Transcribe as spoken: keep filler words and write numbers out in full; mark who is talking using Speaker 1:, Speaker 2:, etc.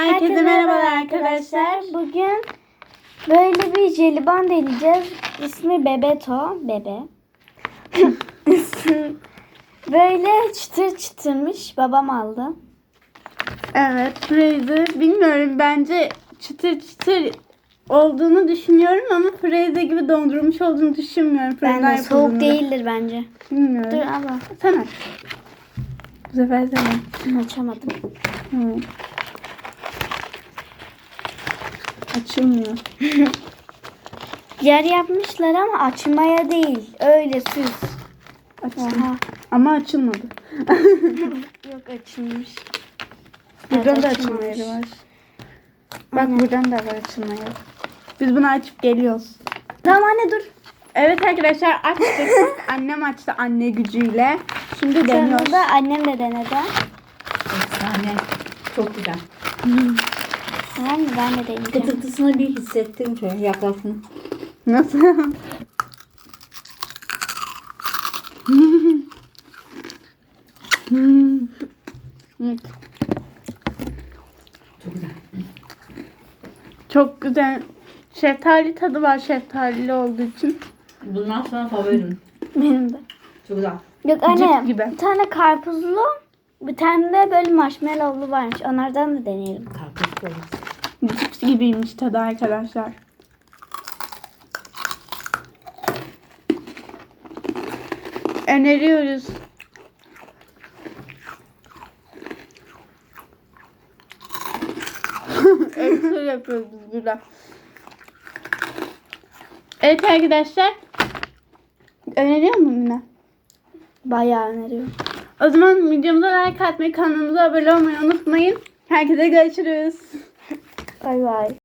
Speaker 1: Herkese merhabalar arkadaşlar.
Speaker 2: Bugün böyle bir jelibon deneyeceğiz. İsmi Bebeto. Bebe. Böyle çıtır çıtırmış. Babam aldı.
Speaker 1: Evet, Fraser. Bilmiyorum, bence çıtır çıtır olduğunu düşünüyorum ama Fraser gibi dondurulmuş olduğunu düşünmüyorum.
Speaker 2: Ben de
Speaker 1: Fırından
Speaker 2: soğuk
Speaker 1: yapıldığını.
Speaker 2: değildir bence.
Speaker 1: Bilmiyorum.
Speaker 2: Dur abla.
Speaker 1: Sen aç. Bu sefer sen aç.
Speaker 2: Açamadım.
Speaker 1: Hı. Açılmıyor.
Speaker 2: Yer yapmışlar ama açmaya değil. Öyle süs.
Speaker 1: Açtım.
Speaker 2: Oha.
Speaker 1: Ama açılmadı.
Speaker 2: Yok açılmış.
Speaker 1: Buradan
Speaker 2: Evet,
Speaker 1: da
Speaker 2: açılmamış.
Speaker 1: açılma yeri var. Bak
Speaker 2: Aynen.
Speaker 1: buradan da var açılma yeri. Biz bunu açıp geliyoruz.
Speaker 2: Tamam anne dur.
Speaker 1: Evet arkadaşlar, açtık. Annem açtı anne gücüyle. Şimdi deniyoruz.
Speaker 2: Sonra da annem de denedi.
Speaker 3: Efsane. Çok güzel.
Speaker 2: Tamam mı? Ben de deneyeceğim.
Speaker 3: Kıtırtısını bir hissettim şöyle yaklaşın.
Speaker 1: Nasıl?
Speaker 3: Çok güzel.
Speaker 1: Çok güzel. Şeftali tadı var, şeftalili olduğu için.
Speaker 3: Bundan sonra favorim.
Speaker 2: Benim de.
Speaker 3: Çok güzel.
Speaker 2: Yok anne
Speaker 1: Cips gibi.
Speaker 2: bir tane karpuzlu bir tane de böyle marshmallowlu varmış. Onlardan da deneyelim.
Speaker 3: Karpuz koyun.
Speaker 1: Cips gibiymiş tadı arkadaşlar. Öneriyoruz. Ekstra yapıyoruz biz burada. Evet arkadaşlar. Öneriyor musun yine?
Speaker 2: Bayağı öneriyorum.
Speaker 1: O zaman videomuza like atmayı, kanalımıza abone olmayı unutmayın. Herkese görüşürüz.
Speaker 2: Bay bay.